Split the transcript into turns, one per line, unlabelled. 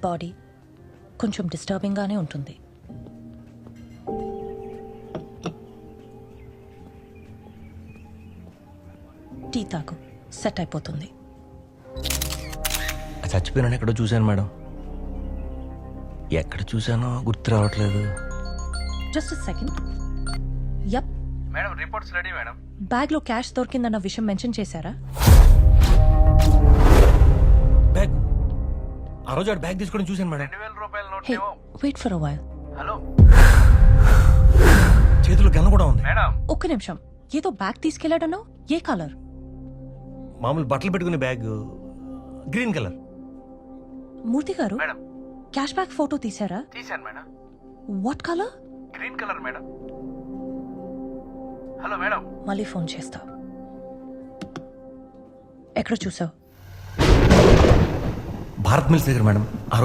Body కొంచెం డిస్టర్బింగ్గానే ఉంటుంది. Tea తాగు, సెట్ అయిపోతుంది.
చచ్చిపోయినా ఎక్కడో చూశాను మేడం. ఎక్కడ చూశానో గుర్తు రావట్లేదు.
Just second. Yup,
madam reports ready madam.
బ్యాగ్లో క్యాష్ దొరికిందన్న విషయం మెన్షన్ చేశారా?
బ్యాగ్ ఆ రోజు ఆడు బ్యాగ్ తీసుకోవడం చూశాను మేడం.
2000 రూపాయల note
hey, wait for a while.
Hello
చేతిలో గన్న కూడా ఉంది.
మేడం,
ఒక్క నిమిషం. ఏదో బ్యాగ్ తీసుకెళ్లాడనో, ఏ కలర్?
మామూలు బట్టలు పెట్టుకునే బ్యాగ్, గ్రీన్ కలర్.
మూర్తి గారు,
మేడం
క్యాష్ బ్యాగ్ ఫోటో తీశారా?
తీశాను madam.
What colour?
Green colour madam. Hello madam,
మళ్ళీ ఫోన్ చేస్తా. ఎక్కడ చూసావు?
భారత్ మిల్స్ దగ్గర మేడం.